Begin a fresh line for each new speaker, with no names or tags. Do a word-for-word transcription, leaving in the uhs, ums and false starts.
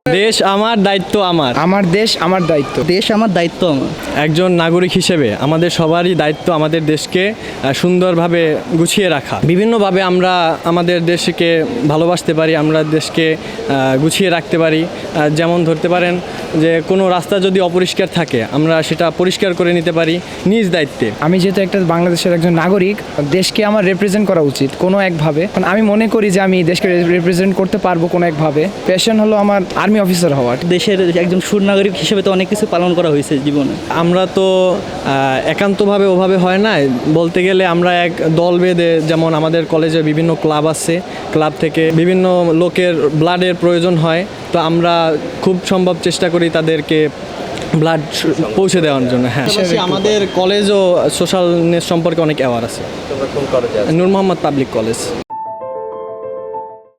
দেশ আমার, দায়িত্ব আমার।
আমার দেশ আমার দায়িত্ব।
দেশ আমার, দায়িত্ব আমার।
একজন নাগরিক হিসেবে আমাদের সবারই দায়িত্ব আমাদের দেশকে আহ, সুন্দরভাবে গুছিয়ে রাখা। বিভিন্নভাবে আমরা আমাদের দেশকে ভালোবাসতে পারি, আমরা দেশকে আহ, গুছিয়ে রাখতে পারি। আহ, যেমন ধরতে পারেন যে কোনো রাস্তা যদি অপরিষ্কার থাকে আমরা সেটা পরিষ্কার করে নিতে পারি নিজ দায়িত্বে।
আমি যেহেতু একটা বাংলাদেশের একজন নাগরিক, দেশকে আমার রিপ্রেজেন্ট করা উচিত কোনো একভাবে। কারণ আমি মনে করি যে আমি দেশকে রিপ্রেজেন্ট করতে পারবো কোনো একভাবে। প্যাশন হলো আমার আর্মি অফিসার হওয়ার।
দেশের একজন সুনাগরিক হিসেবে তো অনেক কিছু পালন করা হয়েছে জীবনে।
আমরা তো আহ, একান্তভাবে ওভাবে হয় না, বলতে গেলে আমরা এক দল বেঁধে, যেমন আমাদের কলেজে বিভিন্ন ক্লাব আছে, ক্লাব থেকে বিভিন্ন লোকের ব্লাডের প্রয়োজন হয়, তো আমরা খুব সম্ভব চেষ্টা করি তাদেরকে ব্লাড পৌঁছে দেওয়ার জন্য। হ্যাঁ, আমাদের কলেজও সোশ্যালনেস সম্পর্কে অনেক অ্যাওয়ার আছে। Noor Mohammad public college.